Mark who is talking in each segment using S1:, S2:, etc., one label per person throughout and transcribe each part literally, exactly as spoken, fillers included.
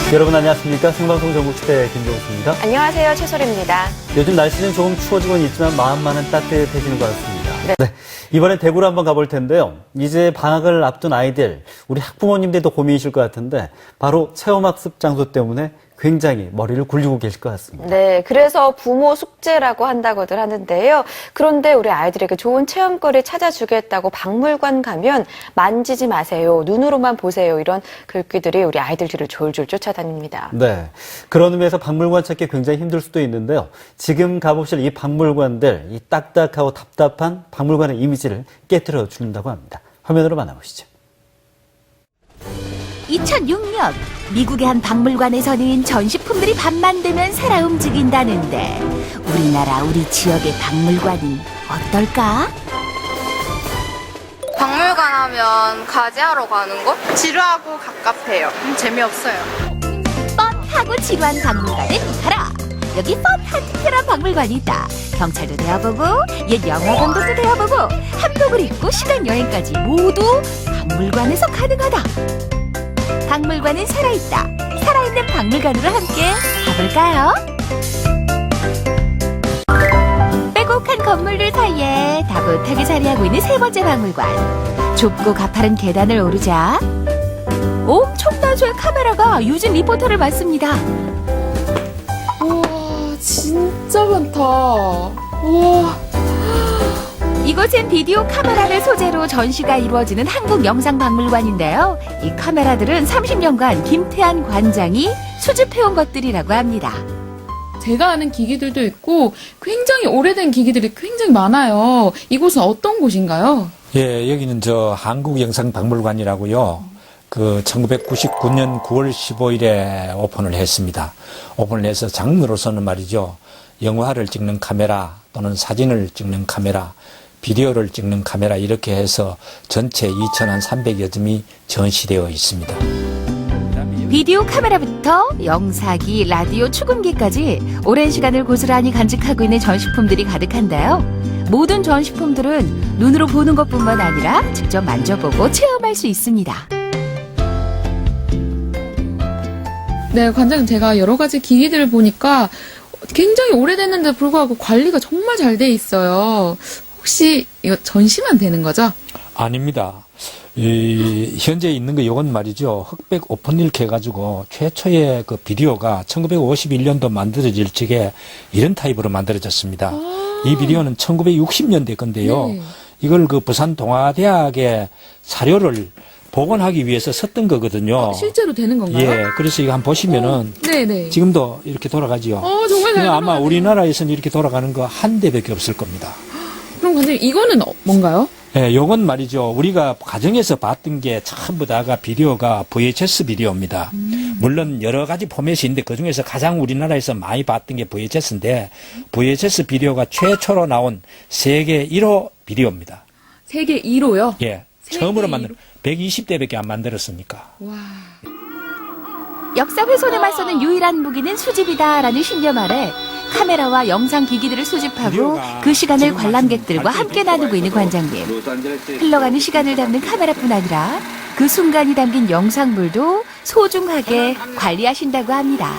S1: 여러분 안녕하십니까? 생방송 전국시대 김종수입니다.
S2: 안녕하세요. 최소리입니다.
S1: 요즘 날씨는 조금 추워지고는 있지만 마음만은 따뜻해지는 것 같습니다.
S2: 네.
S1: 네, 이번엔 대구로 한번 가볼 텐데요. 이제 방학을 앞둔 아이들, 우리 학부모님들도 고민이실 것 같은데 바로 체험학습 장소 때문에 굉장히 머리를 굴리고 계실 것 같습니다.
S2: 네, 그래서 부모 숙제라고 한다고들 하는데요. 그런데 우리 아이들에게 좋은 체험거리 찾아주겠다고 박물관 가면 만지지 마세요, 눈으로만 보세요, 이런 글귀들이 우리 아이들 뒤를 졸졸 쫓아다닙니다.
S1: 네, 그런 의미에서 박물관 찾기 굉장히 힘들 수도 있는데요. 지금 가보실 이 박물관들, 이 딱딱하고 답답한 박물관의 이미지를 깨트려 준다고 합니다. 화면으로 만나보시죠.
S3: 이천육 년 미국의 한 박물관에서는 전시품들이 밤만 되면 살아 움직인다는데 우리나라 우리 지역의 박물관은 어떨까?
S4: 박물관 하면 과제하러 가는 곳?
S5: 지루하고 갑갑해요. 음, 재미없어요.
S3: 뻔하고 지루한 박물관은 가라! 여기 뻔한 특별한 박물관이 있다. 경찰도 되어보고 옛 영화 감독도 되어보고 한복을 입고 시간 여행까지 모두 박물관에서 가능하다. 박물관은 살아있다. 살아있는 박물관으로 함께 가볼까요? 빼곡한 건물들 사이에 다분하게 자리하고 있는 세 번째 박물관. 좁고 가파른 계단을 오르자 엄청난 수의 카메라가 유진 리포터를 맞습니다.
S5: 우와, 진짜 많다. 우와.
S3: 이곳은 비디오 카메라를 소재로 전시가 이루어지는 한국영상박물관인데요. 이 카메라들은 삼십 년간 김태한 관장이 수집해온 것들이라고 합니다.
S6: 제가 아는 기기들도 있고 굉장히 오래된 기기들이 굉장히 많아요. 이곳은 어떤 곳인가요?
S7: 예, 여기는 저 한국영상박물관이라고요. 그 천구백구십구 년 구월 십오일에 오픈을 했습니다. 오픈을 해서 장르로서는 말이죠. 영화를 찍는 카메라 또는 사진을 찍는 카메라, 비디오를 찍는 카메라 이렇게 해서 전체 이천삼백여 점이 전시되어 있습니다.
S3: 비디오 카메라부터 영사기, 라디오, 축음기까지 오랜 시간을 고스란히 간직하고 있는 전시품들이 가득한데요. 모든 전시품들은 눈으로 보는 것뿐만 아니라 직접 만져보고 체험할 수 있습니다.
S6: 네, 관장님, 제가 여러 가지 기기들을 보니까 굉장히 오래됐는데 불구하고 관리가 정말 잘 돼 있어요. 혹시 이거 전시만 되는 거죠?
S7: 아닙니다. 이, 현재 있는 거 이건 말이죠. 흑백 오픈 이렇게 해가지고 최초의 그 비디오가 천구백오십일 년도 만들어질 적에 이런 타입으로 만들어졌습니다.
S6: 아~
S7: 이 비디오는 천구백육십 년대 건데요.
S6: 네.
S7: 이걸 그 부산 동아대학의 사료를 복원하기 위해서 썼던 거거든요.
S6: 아, 실제로 되는 건가요?
S7: 예, 그래서 이거 한번 보시면은
S6: 어, 네네.
S7: 지금도 이렇게 돌아가지요.
S6: 어, 정말 잘
S7: 아마
S6: 돌아가네요.
S7: 우리나라에서는 이렇게 돌아가는 거 한 대밖에 없을 겁니다.
S6: 그럼 관장님, 이거는 어, 뭔가요?
S7: 예, 요건 말이죠. 우리가 가정에서 봤던 게 전부 다가 비디오가 브이에이치에스 비디오입니다. 음. 물론 여러 가지 포맷이 있는데 그중에서 가장 우리나라에서 많이 봤던 게 브이에이치에스인데 브이에이치에스 비디오가 최초로 나온 세계 일 호 비디오입니다.
S6: 세계 일 호요?
S7: 예.
S6: 세계
S7: 처음으로
S6: 일 호.
S7: 만든 백이십 대밖에 안 만들었으니까.
S6: 와.
S3: 역사 훼손에 맞서는 유일한 무기는 수집이다라는 신념 아래 카메라와 영상 기기들을 수집하고 그 시간을 관람객들과 함께 나누고 있는 관장님. 흘러가는 시간을 담는 카메라뿐 아니라 그 순간이 담긴 영상물도 소중하게 관리하신다고 합니다.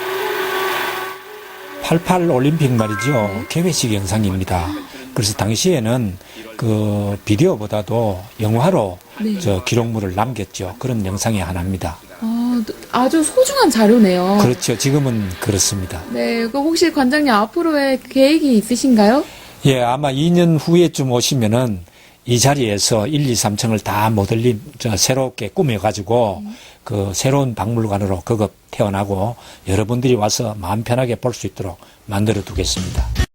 S7: 팔십팔 올림픽 말이죠. 개회식 영상입니다. 그래서 당시에는 그 비디오보다도 영화로
S6: 네.
S7: 저 기록물을 남겼죠. 그런 영상이 하나입니다.
S6: 아, 아주 소중한 자료네요.
S7: 그렇죠. 지금은 그렇습니다.
S6: 네, 그 혹시 관장님 앞으로의 계획이 있으신가요?
S7: 예, 아마 이 년 후에쯤 오시면은 이 자리에서 일, 이, 삼 층을 다 모델링, 저, 새롭게 꾸며가지고 음. 그 새로운 박물관으로 거듭 태어나고 여러분들이 와서 마음 편하게 볼 수 있도록 만들어 두겠습니다.